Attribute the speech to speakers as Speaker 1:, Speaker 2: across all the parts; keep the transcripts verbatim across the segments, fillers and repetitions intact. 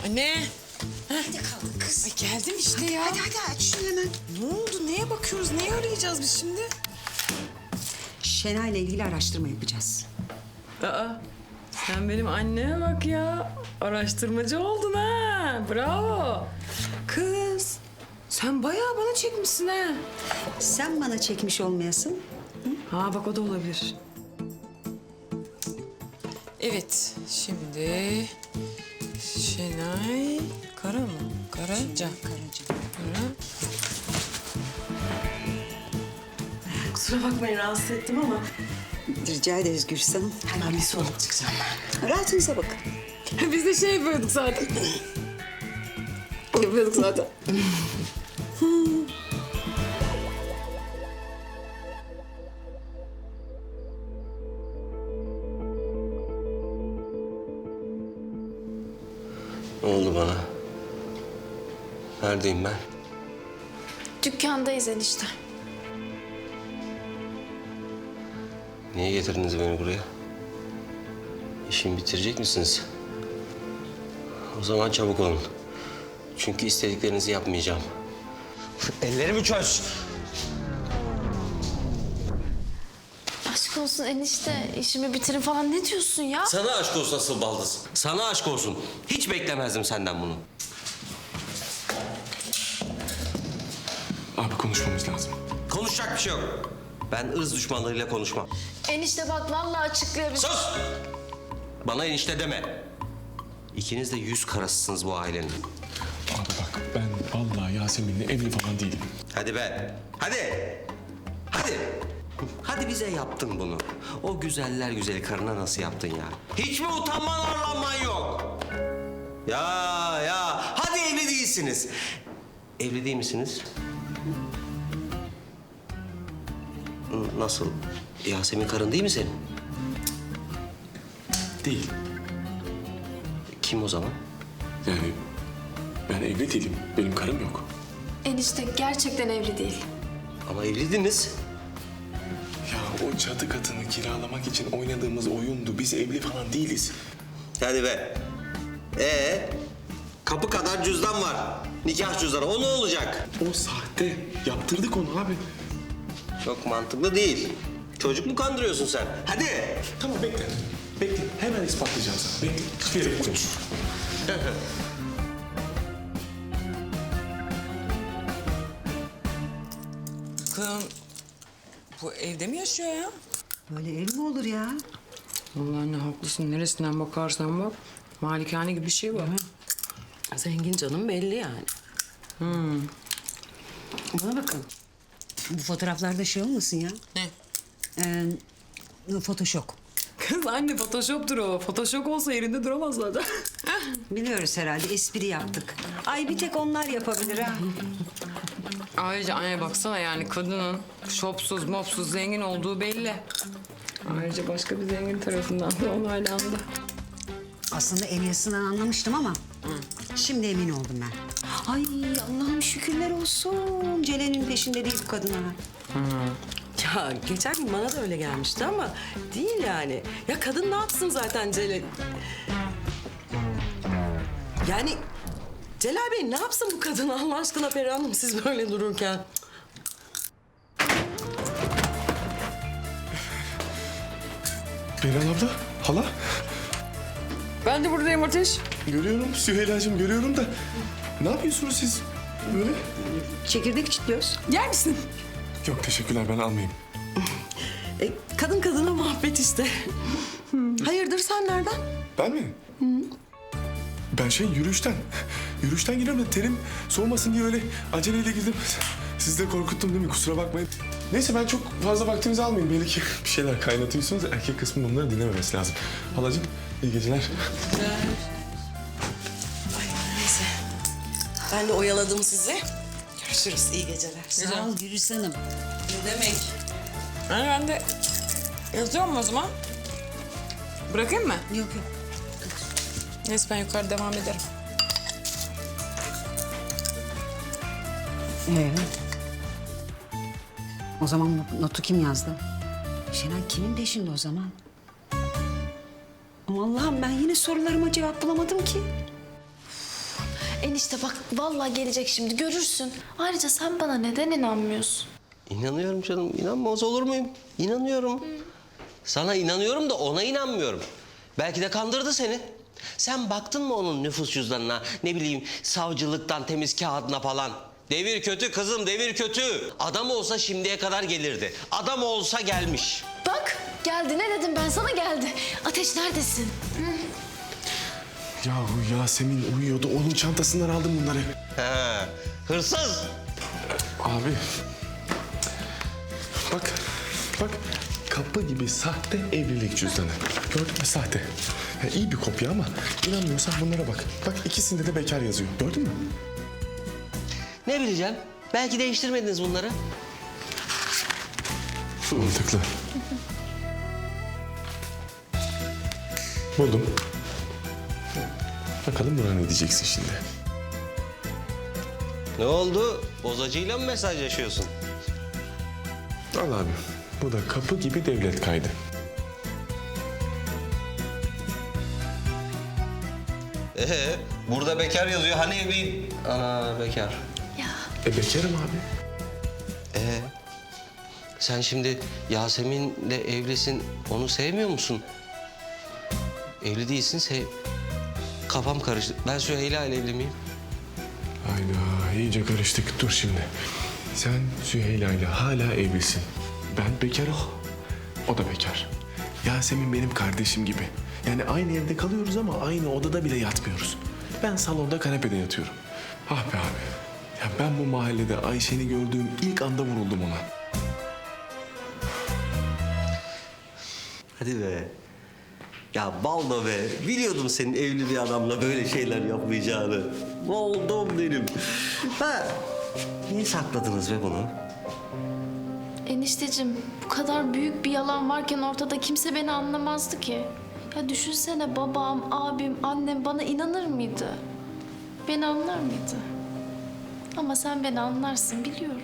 Speaker 1: Anne.
Speaker 2: Nerede kaldın kız?
Speaker 1: Ay geldim işte ya.
Speaker 2: Hadi hadi aç şunu hemen.
Speaker 1: Ne oldu? Neye bakıyoruz? Neyi arayacağız biz şimdi?
Speaker 2: Şenay'la ilgili araştırma yapacağız.
Speaker 1: Aa, sen benim anneme bak ya. Araştırmacı oldun ha. Bravo. Kız, sen bayağı bana çekmişsin ha.
Speaker 2: Sen bana çekmiş olmayasın.
Speaker 1: Ha bak o da olabilir. Evet, şimdi Şenay Kara mı? Karaca.
Speaker 2: Karaca.
Speaker 1: Kara. Kusura bakmayın rahatsız ettim ama.
Speaker 2: Rica ederiz Gülsün Hanım.
Speaker 1: Hemen bir soluk çıkacağım ben.
Speaker 2: Rahatınıza bakın.
Speaker 1: Biz de şey yapıyorduk zaten. Yapıyorduk zaten.
Speaker 3: Ne oldu bana? Neredeyim ben?
Speaker 4: Dükkandayız enişte.
Speaker 3: Niye getirdiniz beni buraya? İşimi bitirecek misiniz? O zaman çabuk olun. Çünkü istediklerinizi yapmayacağım. Ellerimi çöz.
Speaker 4: Aşk olsun enişte, işimi bitirin falan ne diyorsun ya?
Speaker 3: Sana aşk olsun asıl baldız. Sana aşk olsun. Hiç beklemezdim senden bunu.
Speaker 5: Abi konuşmamız lazım.
Speaker 3: Konuşacak bir şey yok. Ben ırz düşmanlarıyla konuşmam.
Speaker 4: Enişte bak vallahi açıklayabilirim.
Speaker 3: Sus! Bana enişte deme. İkiniz de yüz karasısınız bu ailenin.
Speaker 5: Abi bak ben vallahi Yasemin'le evli falan değilim.
Speaker 3: Hadi be. Hadi. Hadi. Hadi bize yaptın bunu. O güzeller güzeli karına nasıl yaptın ya? Hiç mi utanman arlanman yok? Ya ya. Hadi evli değilsiniz. Evli değil misiniz? N- Nasıl? Yasemin karın değil mi senin?
Speaker 5: Değil.
Speaker 3: Kim o zaman?
Speaker 5: Yani ben evli değilim. Benim karım yok.
Speaker 4: Enişte gerçekten evli değil.
Speaker 3: Ama evliydiniz.
Speaker 5: Ya o çatı katını kiralamak için oynadığımız oyundu. Biz evli falan değiliz.
Speaker 3: Hadi be. Ee, kapı kadar cüzdan var. Nikah cüzdanı. O ne olacak?
Speaker 5: O sahte. Yaptırdık onu abi.
Speaker 3: Çok mantıklı değil. Çocuk mu kandırıyorsun sen? Hadi.
Speaker 5: Tamam bekle. Bekle. Hemen ispatlayacağım sana. Bekle. Hiçbir yere konuş.
Speaker 1: Kızım, bu evde mi yaşıyor ya?
Speaker 2: Böyle ev mi olur ya?
Speaker 1: Vallahi anne haklısın. Neresinden bakarsan bak. Malikane gibi bir şey var.
Speaker 6: Zengin canım belli yani.
Speaker 2: Bana bakın. Bu fotoğraflarda şey olmasın ya.
Speaker 1: Ne?
Speaker 2: Ee, Photoshop.
Speaker 1: Kız anne photoshop'tur o. Photoshop olsa yerinde duramaz zaten.
Speaker 2: Biliyoruz herhalde espri yaptık. Ay bir tek onlar yapabilir ha.
Speaker 1: Ayrıca anne baksana yani kadının şopsuz mopsuz zengin olduğu belli. Ayrıca başka bir zengin tarafından da onaylandı.
Speaker 2: Aslında el yazısından anlamıştım ama şimdi emin oldum ben. Ay Allah'ım şükürler olsun. Celal'in peşinde değil bu kadın ha.
Speaker 6: Ya geçen gün bana da öyle gelmişti ama değil yani. Ya kadın ne yapsın zaten Celal? Yani Celal Bey ne yapsın bu kadın Allah aşkına Peri Hanım siz böyle dururken?
Speaker 5: Beyran abla, hala.
Speaker 1: Ben de buradayım Ateş.
Speaker 5: Görüyorum Süheyla'cığım görüyorum da. Ne yapıyorsunuz siz böyle?
Speaker 2: Çekirdek çitliyoruz.
Speaker 1: Yer misin?
Speaker 5: Yok teşekkürler ben almayayım.
Speaker 6: E, kadın kadına muhabbet işte. Hayırdır sen nereden?
Speaker 5: Ben mi? Ben şey yürüyüşten. Yürüyüşten geliyorum da terim soğumasın diye öyle aceleyle girdim. Sizi de korkuttum değil mi? Kusura bakmayın. Neyse ben çok fazla vaktinizi almayayım. Belli ki bir şeyler kaynatıyorsunuz. Erkek kısmı bunları dinlememesi lazım. Halacığım iyi geceler.
Speaker 6: Neyse. Ben de oyaladım sizi. Görüşürüz iyi geceler.
Speaker 2: Sağ ol Gülüş Hanım.
Speaker 6: Ne demek?
Speaker 1: Yani ben de yazıyorum o zaman. Bırakayım mı?
Speaker 2: Yok yok.
Speaker 1: Neyse ben yukarı devam ederim.
Speaker 2: Ee, o zaman not- notu kim yazdı? Şenay kimin peşinde o zaman? Ama Allah'ım ben yine sorularıma cevap bulamadım ki.
Speaker 4: Enişte bak vallahi gelecek şimdi görürsün. Ayrıca sen bana neden inanmıyorsun?
Speaker 3: İnanıyorum canım. İnanmaz olur muyum? İnanıyorum. Sana inanıyorum da ona inanmıyorum. Belki de kandırdı seni. Sen baktın mı onun nüfus cüzdanına, ne bileyim savcılıktan temiz kağıdına falan? Devir kötü kızım, devir kötü. Adam olsa şimdiye kadar gelirdi. Adam olsa gelmiş.
Speaker 4: Bak geldi ne dedim ben sana geldi. Ateş neredesin?
Speaker 5: Yahu Yasemin uyuyordu. Onun çantasından aldım bunları.
Speaker 3: He, hırsız.
Speaker 5: Abi. Bak. Bak. Kapı gibi sahte evlilik cüzdanı. Gördün mü sahte? Ya iyi bir kopya ama inanmıyorsan bunlara bak. Bak ikisinde de bekar yazıyor. Gördün mü?
Speaker 3: Ne bileceğim? Belki değiştirmediniz bunları.
Speaker 5: Mantıklı. Buldum. Bakalım buna ne diyeceksin şimdi?
Speaker 3: Ne oldu? Bozacıyla mı mesajlaşıyorsun?
Speaker 5: Al abi. Bu da kapı gibi devlet kaydı.
Speaker 3: Ee, burada bekar yazıyor. Hani evliyim? Ana bekar.
Speaker 4: Ya
Speaker 5: E bekarım abi.
Speaker 3: Ee, sen şimdi Yasemin'le evlisin. Onu sevmiyor musun? Evli değilsin. Sev... Kafam karıştı. Ben Süheyla ile evli miyim?
Speaker 5: Hayda iyice karıştık. Dur şimdi. Sen Süheyla ile hala evlisin. Ben bekarım. O da bekar. Yasemin benim kardeşim gibi. Yani aynı evde kalıyoruz ama aynı odada bile yatmıyoruz. Ben salonda kanepede yatıyorum. Ah be abi. Ya ben bu mahallede Ayşe'ni gördüğüm ilk anda vuruldum ona.
Speaker 3: Hadi be. Ya baldo be. Biliyordum senin evli bir adamla böyle şeyler yapmayacağını. Oldum benim. Ha, niye sakladınız be bunu?
Speaker 4: enişteciğim bu kadar büyük bir yalan varken ortada kimse beni anlamazdı ki. Ya düşünsene babam, abim, annem bana inanır mıydı? Beni anlar mıydı? Ama sen beni anlarsın biliyorum.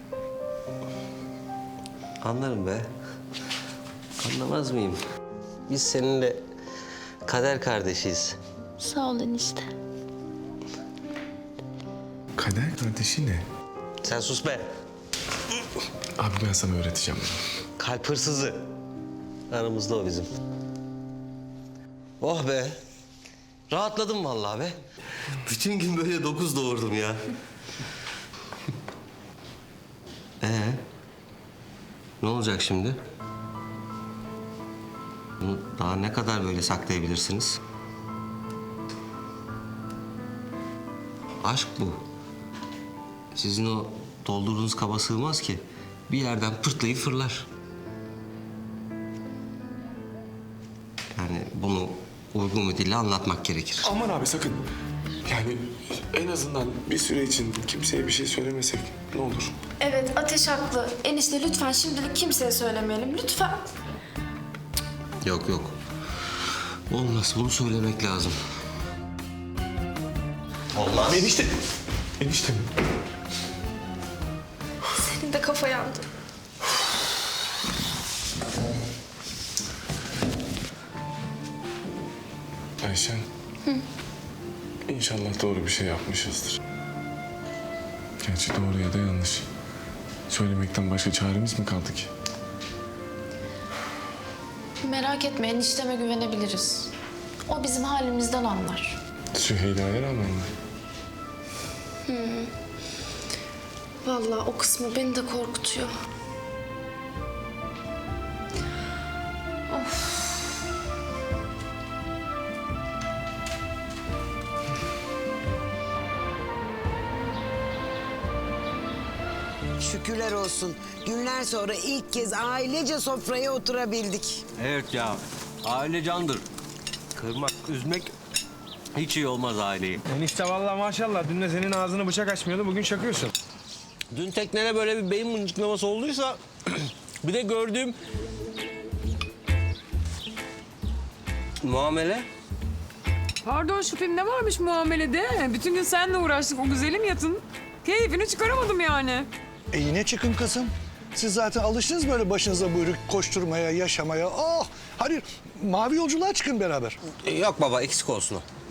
Speaker 3: Anlarım be. Anlamaz mıyım? Biz seninle kader kardeşiz.
Speaker 4: Sağ ol enişte.
Speaker 5: Kader kardeşi ne?
Speaker 3: Sen sus be.
Speaker 5: Abi ben sana öğreteceğim bunu.
Speaker 3: Kalp hırsızı. Aramızda o bizim. Oh be. Rahatladım vallahi be. Bütün gün böyle dokuz doğurdum ya. Ee, ne olacak şimdi? Bunu daha ne kadar böyle saklayabilirsiniz? Aşk bu. Sizin o doldurduğunuz kaba sığmaz ki. Bir yerden pırtlayıp fırlar. Yani bunu uygun bir dille anlatmak gerekir.
Speaker 5: Aman abi sakın. Yani en azından bir süre için kimseye bir şey söylemesek ne olur?
Speaker 4: Evet Ateş haklı. Enişte lütfen şimdilik kimseye söylemeyelim lütfen.
Speaker 3: Yok yok. Olmaz. Bunu söylemek lazım. Olmaz.
Speaker 5: Enişte. Enişte mi?
Speaker 4: Senin de kafa yandı.
Speaker 5: Ayşen. İnşallah doğru bir şey yapmışızdır. Gerçi doğru ya da yanlış. Söylemekten başka çaremiz mi kaldı ki?
Speaker 4: Merak etme enişteme güvenebiliriz. O bizim halimizden anlar.
Speaker 5: Süheyla'ya rağmen mi?
Speaker 4: Vallahi o kısmı beni de korkutuyor.
Speaker 7: Şükürler olsun. Günler sonra ilk kez ailece sofraya oturabildik.
Speaker 3: Evet ya. Aile candır. Kırmak, üzmek hiç iyi olmaz aileyi.
Speaker 8: Enişte vallahi maşallah dün de senin ağzını bıçak açmıyordu bugün çakıyorsun.
Speaker 3: Dün teknede böyle bir beyin mıncıklaması olduysa bir de gördüğüm muamele.
Speaker 1: Pardon şüphem ne varmış muamelede? Bütün gün seninle uğraştık o güzelim yatın. Keyfini çıkaramadım yani.
Speaker 9: E yine çıkın kızım. Siz zaten alıştınız böyle başınıza buyruk koşturmaya, yaşamaya. Oh! Hadi mavi yolculuğa çıkın beraber.
Speaker 3: Yok baba eksik olsun o.